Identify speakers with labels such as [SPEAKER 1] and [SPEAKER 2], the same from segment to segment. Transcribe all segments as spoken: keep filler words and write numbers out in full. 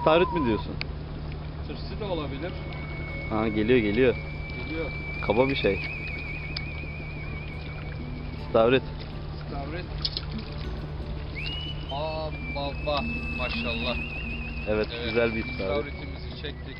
[SPEAKER 1] İstavrit mi diyorsun?
[SPEAKER 2] Tırsı da olabilir.
[SPEAKER 1] Ha, geliyor geliyor.
[SPEAKER 2] Geliyor.
[SPEAKER 1] Kaba bir şey. İstavrit.
[SPEAKER 2] İstavrit. Aa baba maşallah.
[SPEAKER 1] Evet,
[SPEAKER 2] Evet,
[SPEAKER 1] güzel bir istavrit.
[SPEAKER 2] İstavritimizi çektik.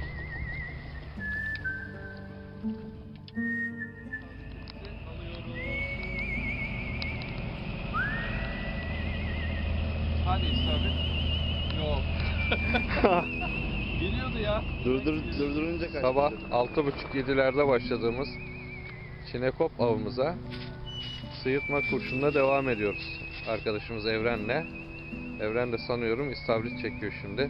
[SPEAKER 2] Hadi istavrit. Yok. Geliyordu ya.
[SPEAKER 1] Durdur, durdurunca kaçtı.
[SPEAKER 2] Sabah altı buçuk yedilerde başladığımız çinekop avımıza sıyırtma kurşunla devam ediyoruz. Arkadaşımız Evren'le. Evren de sanıyorum istavrit çekiyor şimdi.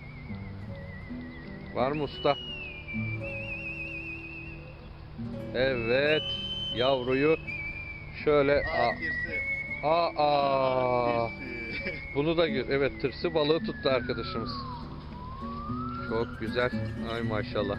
[SPEAKER 2] Var mı usta? Evet. Yavruyu şöyle
[SPEAKER 3] Aa,
[SPEAKER 2] aa, aa, aa.
[SPEAKER 3] tirsi.
[SPEAKER 2] Bunu da gör. Evet, tırsı balığı tuttu arkadaşımız. Çok güzel. Ay maşallah.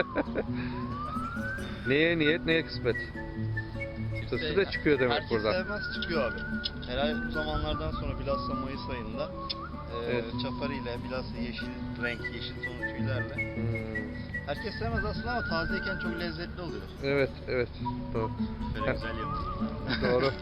[SPEAKER 2] Neye niyet, neye kısmet. Tırsı da çıkıyor demek
[SPEAKER 3] Herkes
[SPEAKER 2] buradan.
[SPEAKER 3] sevmez, çıkıyor abi. Herhalde bu zamanlardan sonra bilhassa Mayıs ayında e,
[SPEAKER 2] Evet.
[SPEAKER 3] çaparıyla, bilhassa yeşil renk, yeşil tonu tüylerle.
[SPEAKER 2] Hmm,
[SPEAKER 3] Herkes sevmez aslında ama tazeyken çok lezzetli oluyor.
[SPEAKER 2] Evet, evet. Doğru.
[SPEAKER 3] Böyle güzel yapılır.
[SPEAKER 2] Doğru.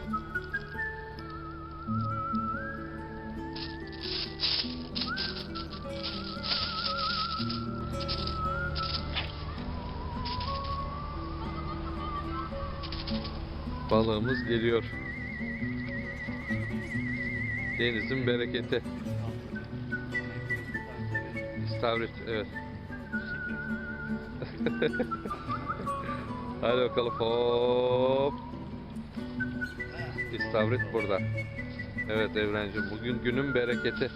[SPEAKER 2] Balığımız geliyor. Denizin bereketi. İstavrit, evet. Hadi bakalım, hop. İstavrit burada. Evet Evrencim, bugün günün bereketi.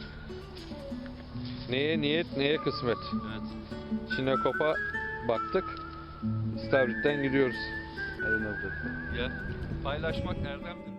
[SPEAKER 2] Neye niyet, neye kısmet.
[SPEAKER 3] Evet.
[SPEAKER 2] Çinekop'a baktık. İstavrit'ten gidiyoruz.
[SPEAKER 1] Aynen öyle.
[SPEAKER 2] Gel. Paylaşmak erdemdir.